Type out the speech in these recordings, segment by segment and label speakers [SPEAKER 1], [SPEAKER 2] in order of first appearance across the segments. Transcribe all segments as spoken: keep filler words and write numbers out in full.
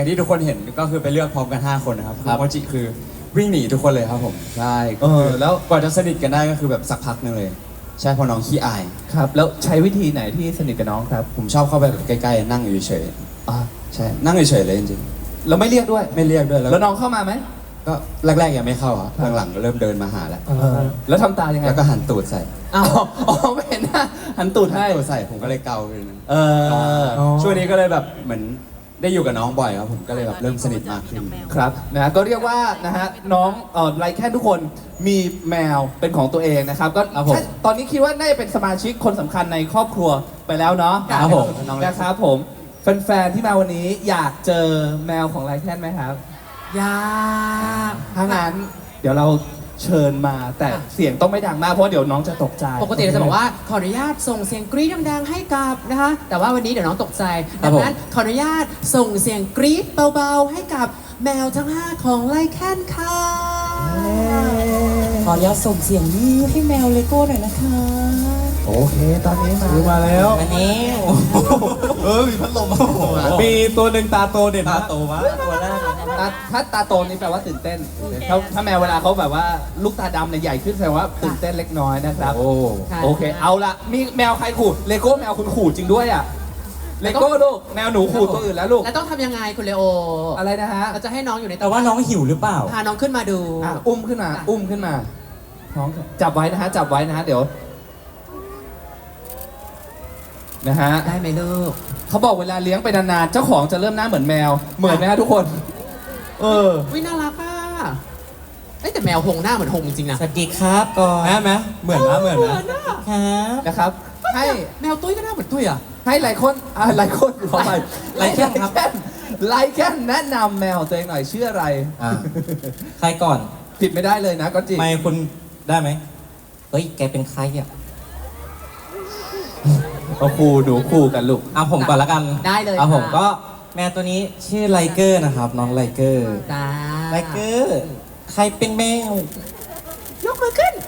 [SPEAKER 1] อย่างที่ทุกคนเห็นก็คือไปเลือกพร้อมกันห้าคนนะครับโมจิคือวิ่งหนีทุกคนเลยครับผมใช่เออแล้วกว่าจะสนิทกันได้ก็คือแบบสักพักนึงเลยใช่พอน้องขี้อาย
[SPEAKER 2] ครับแล้วใช้วิธีไหนที่สนิทกับน้องครับ
[SPEAKER 1] ผมชอบเข้าไปแบบใกล้ๆนั่งอยู่เฉยๆอ่าใช่นั่งเฉยๆเลยจริง
[SPEAKER 2] ๆแล้วไม่เรียกด้วย
[SPEAKER 1] ไม่เรียกด้วย
[SPEAKER 2] แล้วน้องเข้ามาไหม
[SPEAKER 1] ก็แรกๆยังไม่เข้าอ่ะหลังๆก็เริ่มเดินมาหาแล้ว
[SPEAKER 2] แล้วทำตายังไง
[SPEAKER 1] แล้วก็หันตูดใส่
[SPEAKER 2] อ้าวอ๋อไม่เห็นนะหันตูดให้
[SPEAKER 1] ตูดใส่ผมก็เลยเกาเลย
[SPEAKER 2] เออ
[SPEAKER 1] ช่วงนี้ก็เลยแบบเหมือนได้อยู่กับน้องบ่อยครับผมก็เลยแบบเริ่มสนิทมากขึ้น
[SPEAKER 2] ครับนะก็เรียกว่านะฮะน้องเอ่อไลแค่ทุกคนมีแมวเป็นของตัวเองนะครับก็ตอนนี้คิดว่าน่าจะเป็นสมาชิกคนสำคัญในครอบครัวไปแล้วเนาะ
[SPEAKER 1] ครับผม
[SPEAKER 2] นะครับผมแฟนๆที่มาวันนี้อยากเจอแมวของไลแคนไหมครับ
[SPEAKER 3] อยาก
[SPEAKER 2] ถ้างั้นเดี๋ยวเราเชิญมาแต่เสียงต้องไม่ดังมากเพราะเดี๋ยวน้องจะตกใจ
[SPEAKER 3] ปกติเราจะบอกว่าขออนุญาตส่งเสียงกรี๊ดดังๆให้กับนะคะแต่ว่าวันนี้เดี๋ยวน้องตกใจดังนั้นขออนุญาตส่งเสียงกรี๊ดเบาๆให้กับแมวทั้งห้าของไลแคนค่ะ
[SPEAKER 4] ขออนุญาตส่งเสียงนี้ให้แมวเลโก้หน่อยนะคะ
[SPEAKER 2] โอเคตอนนี้มา
[SPEAKER 5] มาแล้ว
[SPEAKER 4] มาแล้ว
[SPEAKER 5] เออมีพัดลม
[SPEAKER 2] มีตัวหนึ่งตาโตเด่น
[SPEAKER 1] ตาโตวะตัวแรก
[SPEAKER 2] ถ้าตาโตนี่แปลว่าตื่นเต้นถ้าถ้าแมวเวลาเขาแบบว่าลูกตาดำเนี่ยใหญ่ขึ้นแสดงว่าตื่นเต้นเล็กน้อยนะครับโอ้โอเคเอาละมีแมวใครขู่เลโก้แมวคุณขู่จริงด้วยอ่ะเลโก้ลูกแมวหนูขู่ตัวอื่นแล้วลูก
[SPEAKER 3] แล้วต้องทำยังไงคุณเลโอ
[SPEAKER 2] อะไรนะฮะ
[SPEAKER 3] เราจะให้น้องอยู่ใน
[SPEAKER 4] แต่ว่าน้องหิวหรือเปล่า
[SPEAKER 3] พาน้องขึ้นมาดู
[SPEAKER 2] อุ้มขึ้นมาอุ้มขึ้นมาน้องจับไว้นะฮะจับไว้นะฮะเดี๋ยวนะฮะ
[SPEAKER 3] ได้ไหมลูก
[SPEAKER 2] เขาบอกเวลาเลี้ยงไปนานๆเจ้าของจะเริ่มหน้าเหมือนแมวเหมือนไหมฮะทุกคนเออ
[SPEAKER 3] วิน่ารักอ่ะเอ้แต่แมวหงหน้าเหมือนหงจริงๆนะ
[SPEAKER 4] สวัสดีครับก่อน
[SPEAKER 1] แม่ไหมเหมือนนะเหมือนนะ
[SPEAKER 4] ครับ
[SPEAKER 2] นะครับให้
[SPEAKER 3] แมวตุ้ยก็หน้าเหมือนตุ้ยอ่ะ
[SPEAKER 2] ให้หลายคนอ่าหลายคนขอไป
[SPEAKER 4] ไลแคนครับ
[SPEAKER 2] ไลแคนแนะนำแมวตัวเองหน่อยชื่ออะไร
[SPEAKER 4] อ่าใครก่อน
[SPEAKER 2] ผิดไม่ได้เลยนะก็จริง
[SPEAKER 1] ไม่คุณได้ไหม
[SPEAKER 4] เฮ้ยแกเป็นใครอ่ะ
[SPEAKER 2] เอาคู่หนูคู่กันลูก
[SPEAKER 4] เอาผมก่อนละกัน
[SPEAKER 3] ได้เลย
[SPEAKER 4] เอาผมก็แมวตัวนี้ชื่อไลเกอร์นะครับน้องไลเกอร์ไลเกอร์ใครเป็นแมวย
[SPEAKER 3] กมือขึ้น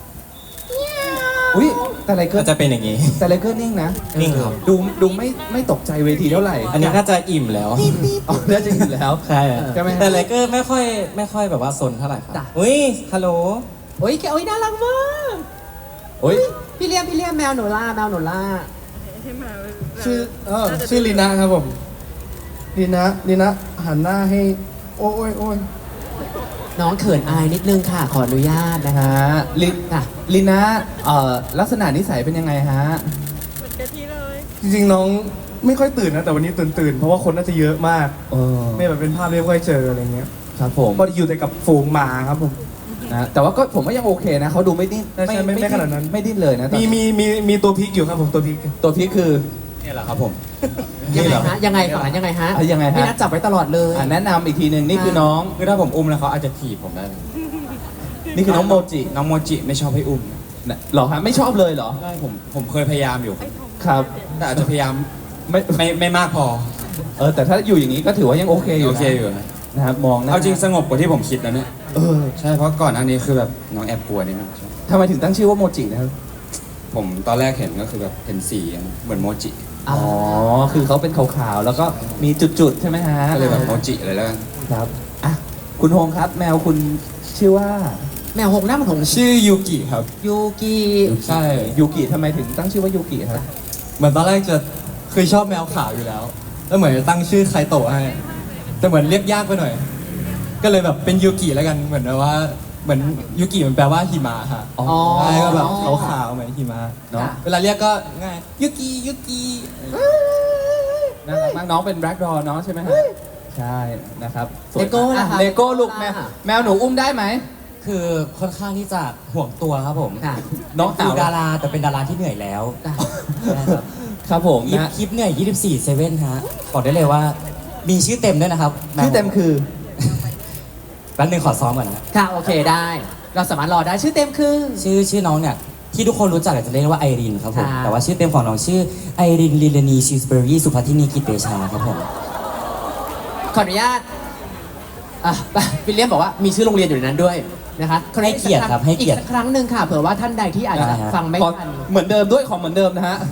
[SPEAKER 2] อุ้ยแต่ไลเกอร์
[SPEAKER 4] จะเป็นอย่างนี้
[SPEAKER 2] แต่ไลเกอร์นิ่งนะ
[SPEAKER 4] นิ่งครับ
[SPEAKER 2] ดูดูไม่ไม่ตกใจเวทีเท่าไหร่
[SPEAKER 4] อันนี้น่าจะอิ่มแล้ว
[SPEAKER 2] อ๋อน่าจะอิ่มแล้ว
[SPEAKER 4] ใช่แต่ไลเกอร์ไม่ค่อยไม่ค่อยแบบว่าซนเท่าไหร่ครับอุ้ยฮัลโหล
[SPEAKER 3] โอ้ยแกโอ้ยน่ารักมาก
[SPEAKER 2] โอ้ย
[SPEAKER 3] พี่เลี้ยมพี่เลี้ยมแมวหนูล่าแมวหนูล่า
[SPEAKER 5] ชื่อเออชื่อลีน่าครับผมลีน่าลีน่าหันหน้าให้โอ้ยโอ้ย
[SPEAKER 3] น้องเขินอายนิดนึงค่ะขออนุญาตนะคะ
[SPEAKER 2] ลินะลีน่าเอ่อลักษณะนิสัยเป็นยังไงฮะ
[SPEAKER 6] เหมือนกะทิเลย
[SPEAKER 5] จริงๆน้องไม่ค่อยตื่นนะแต่วันนี้ตื่นตื่นเพราะว่าคนน่าจะเยอะมากไม่แบบเป็นภาพไม่ค่อยเจออะไรเงี้ย
[SPEAKER 2] ครับผม
[SPEAKER 5] ก็อยู่แต่กับฝูงหมาครับผม
[SPEAKER 2] นะแต่ว่าก็ผมว่ายังโอเคนะเขาดูไม่ดิ้น
[SPEAKER 5] ไม่ไม่ไม่ขนาดนั้น
[SPEAKER 2] ไม่ดิ้นเลยนะ
[SPEAKER 5] มีมีมีมีตัวพลิกอยู่ครับผมตัวพลิก
[SPEAKER 2] ตัวพลิกคือ
[SPEAKER 1] นี่แหละครับผม
[SPEAKER 3] ยังไงฮะยังไงฝั่งนั้นยังไงฮะ
[SPEAKER 2] ยังไงฮะ
[SPEAKER 3] พี่นัทจับไว้ตลอดเลย
[SPEAKER 2] แนะนำอีกทีหนึ่งนี่คือน้อง
[SPEAKER 1] คือถ้าผมอุ้มแล้วเขาอาจจะถีบผมได้
[SPEAKER 2] นี่คือน้องโมจิ
[SPEAKER 1] น้องโมจิไม่ชอบให้อุ้ม
[SPEAKER 2] หรอฮะไม่ชอบเลยเหรอ
[SPEAKER 1] ใช่ผมผมเคยพยายามอยู่
[SPEAKER 2] ครับ
[SPEAKER 1] แต่อาจจะพยายามไม่ไม่ไม่มากพอ
[SPEAKER 2] เออแต่ถ้าอยู่อย่างนี้ก็ถือว่ายังโอเคอยู่
[SPEAKER 1] โอเคอยู่
[SPEAKER 2] นะครับมอง
[SPEAKER 1] เอาจริงสงบกว่าที่ผมคิดนะเนี่ย
[SPEAKER 2] เออ
[SPEAKER 1] ใช่เพราะก่อนอันนี้คือแบบน้องแอบกลัวนิดนึง
[SPEAKER 2] ทำไมถึงตั้งชื่อว่าโมจินะครับ
[SPEAKER 1] ผมตอนแรกเห็นก็คือแบบเห็นสีเหมือนโมจิ
[SPEAKER 2] อ๋อคือเขาเป็นขาวๆแล้วก็มีจุดๆใช่ไหมฮะ
[SPEAKER 1] ก็เลยแบบโมจิอะไรแล้วกัน
[SPEAKER 2] ครับอ่ะคุณโฮงครับแมวคุณชื่อว่า
[SPEAKER 3] แมวหงหน้ามันหง
[SPEAKER 1] ชื่อยูกิครับ
[SPEAKER 3] ยูกิ
[SPEAKER 2] ใช่ยูกิทำไมถึงตั้งชื่อว่ายูกิครับ
[SPEAKER 1] เหมือนตอนแรกจะเคยชอบแมวขาวอยู่แล้วแล้วเหมือนจะตั้งชื่อไคโตะให้แต่เหมือนเรียกยากไปหน่อยก็เลยแบบเป็นยูกิแล้วกันเหมือนแบบว่าเหมือนยูกิมันแปลว่าหิมะค่ะ
[SPEAKER 2] อ๋อ
[SPEAKER 1] ใช่ก็แบบขาวๆเหมือนหิมะเนาะเวลาเรียกก็ง่ายยูกิยูกิ
[SPEAKER 2] น่ารักมากน้องเป็นแบล็กดอร์เนาะใช่ไหมฮะใช่นะครับ
[SPEAKER 3] เลโก้นะคะ
[SPEAKER 2] เลโก้ลูกแมวแมวหนูอุ้มได้ไหม
[SPEAKER 4] คือค่อนข้างที่จะห่วงตัวครับผม
[SPEAKER 2] น้อง
[SPEAKER 4] คือดาราแต่เป็นดาราที่เหนื่อยแล้ว
[SPEAKER 2] ครับครับผม
[SPEAKER 4] นะคลิปเหนื่อยยี่สิบสี่ เซเว่นฮะบอกได้เลยว่ามีชื่อเต็มด้วยนะครับ
[SPEAKER 2] ชื่อเต็มคือ
[SPEAKER 4] แป๊บนึงขอซ้อมก่อนนะ
[SPEAKER 3] ค่ะโอเคได้เราสามารถรอได้ชื่อเต็มคือ
[SPEAKER 4] ชื่อชื่อน้องเนี่ยที่ทุกคนรู้จักจะเรียกว่าไอรินครับผมแต่ว่าชื่อเต็มของน้องชื่อไอรินลิลานีชิสเบอรี่สุภัททินีกิตเตชาครับผม
[SPEAKER 3] ขออนุญาตอ่ะวิลเลียมบอกว่ามีชื่อโรงเรียนอยู่ในนั้นด้วยนะคะ
[SPEAKER 4] ให้เกียรติครับให้เกียรติ
[SPEAKER 3] อีกสักครั้งหนึ่งค่ะเผื่อว่าท่านใดที่อาจจะฟังไม่ทัน
[SPEAKER 2] เหมือนเดิมด้วยของเหมือนเดิมนะฮะ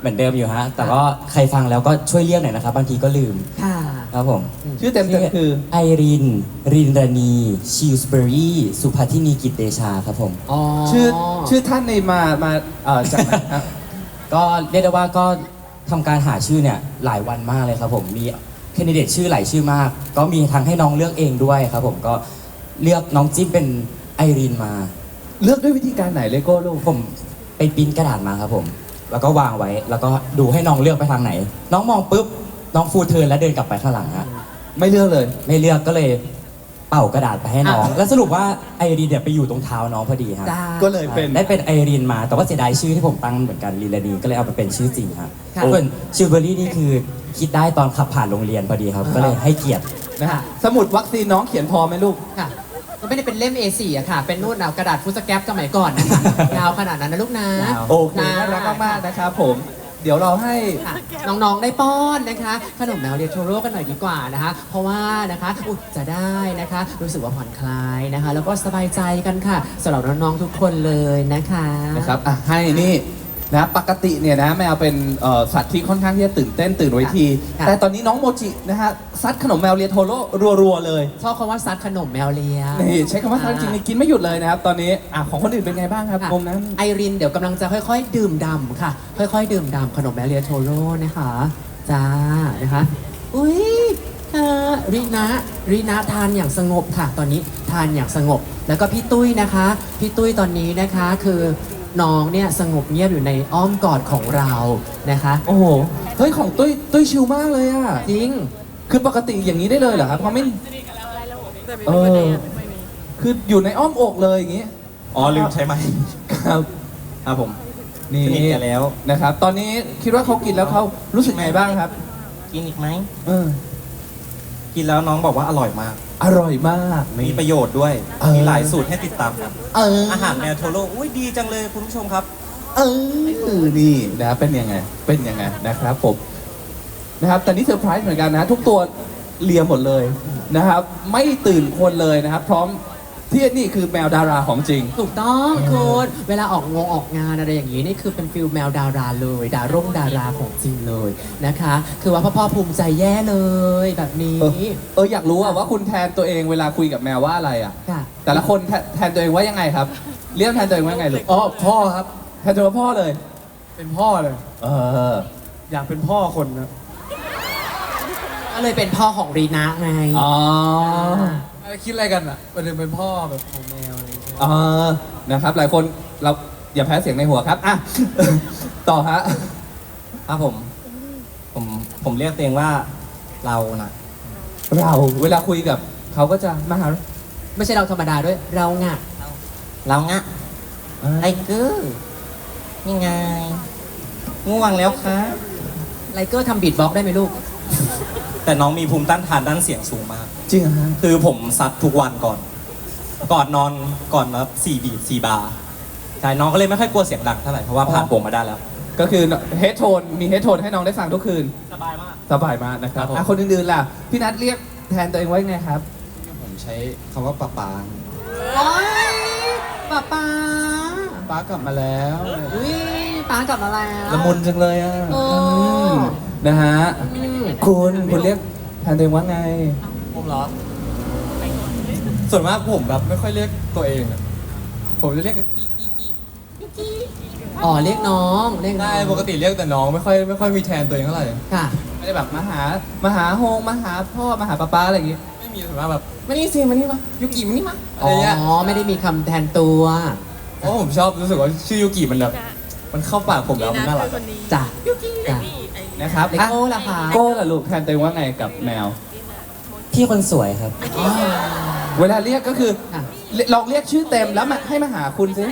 [SPEAKER 4] เหมือนเดิมอยู่ฮะ แต่ก็ใครฟังแล้วก็ช่วยเรียกหน่อยนะครับ บางทีก็ลืม
[SPEAKER 3] ค่ะ
[SPEAKER 4] ครับผม
[SPEAKER 2] ชื่อเต็มๆคือ
[SPEAKER 4] ไอริน รินรณีชิลสเบอรี่สุภัทินีกิตเดชาครับผม
[SPEAKER 3] อ๋อ
[SPEAKER 2] ชื่อชื่อท่านในมามาเอ่อจากไหนฮะ
[SPEAKER 4] ก็เรียกได้ว่าก็ทำการหาชื่อเนี่ยหลายวันมากเลยครับผม มีแคนดิเดตชื่อหลายชื่อมาก ก็มีทั้งให้น้องเลือกเองด้วยครับผม ก็เลือกน้องจิ้มเป็นไอรินมา
[SPEAKER 2] เลือกด้วยวิธีการไหนเลโก้ลูก
[SPEAKER 4] ผมไปปริ้นกระดาษมาครับผม แล้วก็วางไว้ แล้วก็ดูให้น้องเลือกไปทางไหน น้องมองปุ๊บ น้องฟูลเทิร์นแล้วเดินกลับไปข้างหลังฮะ
[SPEAKER 2] ไม่เลือกเลย
[SPEAKER 4] ไม่เลือกก็เลยเป่ากระดาษไปให้น้อง แล้วสรุปว่าไอรินเนี่ยไปอยู่ตรงเท้าน้องพอดีฮะ
[SPEAKER 3] จ้า
[SPEAKER 2] ก็เลยเป็น
[SPEAKER 4] ได้เป็นไอรินมา แต่ว่าเสียดายชื่อที่ผมตั้งเหมือนกันลิลานีก็เลยเอาไปเป็นชื่อจริงครับ
[SPEAKER 3] ค่ะ
[SPEAKER 4] ส่วนชิลเบอรี่นี่คือคิดได้ตอนขับผ่านโรงเรียนพอดีครับ ก็เลยให้เกียรติ
[SPEAKER 2] นะฮะสมุดวัคซีนน้องเขียนพอไหมลูก
[SPEAKER 3] ค่ะมันไม่ได้เป็นเล่ม เอ โฟร์ อะค่ะ เป็นนู่นเอากระดาษฟุตสแกปสมัยก่อนนะคะยาวขนาดนั้นนะลูกนะ
[SPEAKER 4] ยาว
[SPEAKER 2] โอเคน่ารักมากๆนะครับผม เดี๋ยวเราให้
[SPEAKER 3] ค่ะน้องๆได้ป้อนนะคะ ขนมแมวเรียโทโร่กันหน่อยดีกว่านะคะ เพราะว่านะคะอุยจะได้นะคะ รู้สึกว่าผ่อนคลายนะคะ แล้วก็สบายใจกันค่ะสำหรับน้องๆทุกคนเลยนะคะ
[SPEAKER 2] นะครับอ่ะให้นี่นะปกติเนี่ยนะแมวเป็นเอ่อสัตว์ที่ค่อนข้างที่จะตื่นเต้นตื่นเวที
[SPEAKER 3] ค่ะ
[SPEAKER 2] แต่ตอนนี้น้องโมจินะฮะซัดขนมแมวเลียโทโร่รัวๆเลย
[SPEAKER 3] ชอบคำว่าซัดขนมแมวเลีย
[SPEAKER 2] นี่ใช้คำว่าซัดจริงๆกินไม่หยุดเลยนะครับตอนนี้อ่ะของคนอื่นเป็นไงบ้างครับ
[SPEAKER 3] ค่ะ
[SPEAKER 2] มุมนั้น
[SPEAKER 3] ไอรินเดี๋ยวกำลังจะค่อยๆ ดื่มดำค่ะ ค่อยๆ ดื่มดำขนมแมวเลียโทโร่นะคะจ้านะคะอุ้ยเอ่อรินะรินะทานอย่างสงบค่ะ ตอนนี้ทานอย่างสงบ แล้วก็พี่ตุ้ยนะคะพี่ตุ้ยตอนนี้นะคะคือน้องเนี่ยสงบเงียบอยู่ในอ้อมกอดของเรานะคะ
[SPEAKER 2] โอ้โหเฮ้ยของตุ้ยตุ้ยชิลมากเลยอ่ะ
[SPEAKER 3] จริง
[SPEAKER 2] คือปกติอย่างนี้ได้เลยเหรอครับเขาไม่
[SPEAKER 6] แต่ไม่
[SPEAKER 2] เอ
[SPEAKER 6] มีประ
[SPEAKER 2] อ
[SPEAKER 6] เด็นไม่มี
[SPEAKER 2] คืออยู่ในอ้อมอกเลยอย่างนี้
[SPEAKER 7] อ๋อลืมใช่ไหม
[SPEAKER 2] ครับ
[SPEAKER 7] ครับผม
[SPEAKER 2] นี่
[SPEAKER 7] สนิทกันแล้ว
[SPEAKER 2] นะครับ ตอนนี้คิดว่าเขากินแล้วเขารู้สึกไงบ้างครับ
[SPEAKER 7] กินอีกไหม
[SPEAKER 2] เออ
[SPEAKER 7] กินแล้วน้องบอกว่าอร่อยมาก
[SPEAKER 2] อร่อยมาก
[SPEAKER 7] มีประโยชน์ด้วย
[SPEAKER 2] เออ
[SPEAKER 7] มีหลายสูตรให้ติดตามครับ
[SPEAKER 2] เออ
[SPEAKER 7] อาหารแมวโทโร่อุ้ยดีจังเลยคุณผู้ชมครับ
[SPEAKER 2] เออนี่นะเป็นยังไง เป็นยังไงนะครับผมนะครับ แต่นี่เซอร์ไพรส์เหมือนกันนะ ทุกตัวเลียหมดเลยนะครับ ไม่ตื่นคนเลยนะครับ พร้อมที่นี่คือแมวดาราของจริง
[SPEAKER 3] ถูกต้องคุณเวลาออกงงออกงานอะไรอย่างนี้นี่คือเป็นฟิลแมวดาราเลย ดาร่งดาราของจริงเลยนะคะ คือว่าพ่อพ่อภูมิใจแย่เลยแบบนี้
[SPEAKER 2] เออเอออยากรู้อะว่าคุณแทนตัวเองเวลาคุยกับแมวว่าอะไรอะ
[SPEAKER 3] ค่ะ
[SPEAKER 2] แต่ละคนแทนแทนตัวเองว่ายังไงครับ เรียกแทนตัวเองว่ายังไงลูก
[SPEAKER 5] อ๋อพ่อครับ
[SPEAKER 2] แทนตัวว่าพ่อเลย
[SPEAKER 5] เป็นพ่อเลย
[SPEAKER 2] เออ
[SPEAKER 5] อยากเป็นพ่อคนนะ
[SPEAKER 3] ก็เลยเป็นพ่อของรีนาไง
[SPEAKER 2] อ๋อ
[SPEAKER 5] เอ้ยคิดอะไรกันอ่ะประเด็นเป็นพ่อแบบของแมวอะไรอย่างเงี้ย
[SPEAKER 2] เออนะครับ หลายคนเราอย่าแพ้เสียงในหัวครับอ่ะ ต่อฮะ
[SPEAKER 7] ครับผม ผมผมเรียกตัวเองว่าเรานะ
[SPEAKER 2] เราเวลาคุยกับเขาก็จะมาหา
[SPEAKER 3] ไม่ใช่เราธรรมดาด้วย เราไง
[SPEAKER 7] เรางะไอ้เกอร์นี่ไงง่วงแล้วครับ
[SPEAKER 3] ไลเกอร์ทำบีทบ็อกซ์ได้ไหมลูก
[SPEAKER 7] แต่น้องมีภูมิต้านทานด้านเสียงสูงมาก
[SPEAKER 2] จริงเหรอฮะ
[SPEAKER 7] คือผมซัดทุกวันก่อน ก่อนนอนก่อนแบบสี่บีทสี่บาร์ใช่น้องก็เลยไม่ค่อยกลัวเสียงดังเท่าไหร่เพราะว่าผ่านผมมาได้แล้ว
[SPEAKER 2] ก็คือเฮดโทนมีเฮดโทนให้น้องได้ฟังทุกคืน
[SPEAKER 7] สบายมาก
[SPEAKER 2] สบายมากนะครับ
[SPEAKER 7] ครับผม
[SPEAKER 2] อ่ะคนอื่นๆล่ะ พี่นัทเรียกแทนตัวเองว่ายังไงครับ
[SPEAKER 1] ผมใช้คำว่าป๊าป๊า
[SPEAKER 3] โอ๊ยป๊าป๊า
[SPEAKER 2] ป้ากลับมาแล้ว
[SPEAKER 3] อุ้ยป๊ากลับมาแล้ว
[SPEAKER 2] ละมุนจังเลยอ่ะ
[SPEAKER 3] โอ้
[SPEAKER 2] มนะฮะ
[SPEAKER 3] อืม
[SPEAKER 2] คุณคุณเรียกแทนตัวเองว่าไง
[SPEAKER 1] ผมเหรอ ส่วนมากผมแบบไม่ค่อยเรียกตัวเองอะผมจะเรียกกี้กี้กี้
[SPEAKER 3] อ๋อเรียกน้องเรียกน้
[SPEAKER 1] ได้
[SPEAKER 3] อง
[SPEAKER 1] ปกติเรียกแต่น้องไม่ค่อยไม่ค่อยมีแทนตัวเองเท่าไหร่
[SPEAKER 3] ค่ะ
[SPEAKER 2] ไม่ได้แบบมาหามาหาโฮงมาหาพ่อมาหาป้าป้าอะไรอย่างงี้
[SPEAKER 1] ไม่มีส่วนมากแบบมานี่สิมานี่มายุกิมานี่มาอะไร
[SPEAKER 3] อ๋อ
[SPEAKER 1] เงี้ย
[SPEAKER 3] ไม่ได้มีคำแทนตัว
[SPEAKER 1] เพราะผมชอบรู้สึกว่าชื่อยุกิมันแบบมันเข้าปากผมแล้วมันน่ารัก
[SPEAKER 6] คือคนนี้
[SPEAKER 3] จ้ะ
[SPEAKER 6] ยุกิ
[SPEAKER 3] จ้ะ
[SPEAKER 6] นี่ไอ้
[SPEAKER 2] นะครับ
[SPEAKER 3] เล
[SPEAKER 2] อ่ะ
[SPEAKER 3] โก้ล่ะคะ
[SPEAKER 2] โก้ล่ะลูกแทนตัวเองว่าไงกับแมว
[SPEAKER 4] พี่คนสวยครับ
[SPEAKER 3] อ๋อ
[SPEAKER 2] เวลาเรียกก็คือ
[SPEAKER 3] ค่ะ
[SPEAKER 2] ลองเรียกชื่อเต็มแล้วมาให้มาหาคุณซิ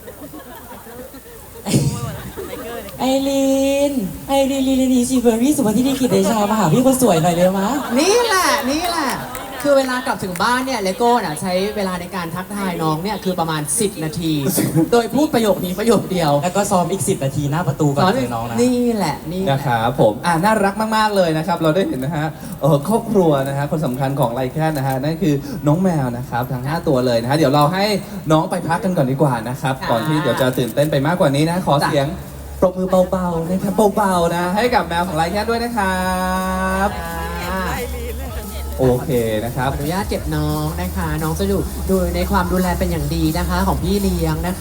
[SPEAKER 4] ไอริน ไอรินลิลานีชิลเบอรี่สุภัทินีกิตเดชามาหาพี่คนสวยหน่อยเร็วมะ
[SPEAKER 3] นี่แหละนี่แหละ คือเวลากลับถึงบ้านเนี่ยเลโก้น่ะใช้เวลาในการทักทายน้องเนี่ยคือประมาณ สิบ นาที โดยพูดประโยคนี้ประโยคเดียว
[SPEAKER 4] แล้วก็ซ้อมอีกสิบนาทีหน้าประตูก่อนเจอน้องนะ
[SPEAKER 3] นี่แหละนี่แห
[SPEAKER 2] นะ
[SPEAKER 3] ละ
[SPEAKER 2] ครับผมอ่าน่ารักมากๆเลยนะครับ เราได้เห็นนะฮะเออครอบครัวนะฮะคนสำคัญของไลแคนนะฮะนั่นคือน้องแมวนะครับทั้งห้าตัวเลยนะฮะเดี๋ยวเราให้น้องไปพักกันก่อนดีกว่านะครับ
[SPEAKER 3] ค่ะ
[SPEAKER 2] ก่อนที่เดี๋ยวจะตื่นเต้นไปมากกว่านี้นะขอ
[SPEAKER 3] จ้ะ
[SPEAKER 2] เสียงปรบมือเบาๆนะครับเบาๆนะ ให้กับแมวของไรแค่ด้วยนะครับ
[SPEAKER 3] อ่า
[SPEAKER 2] โอเคนะครับ
[SPEAKER 3] ขออนุญาตเก็บน้องนะคะ น้องจะดูดูในความดูแลเป็นอย่างดีนะคะ ของพี่เลี้ยงนะคะ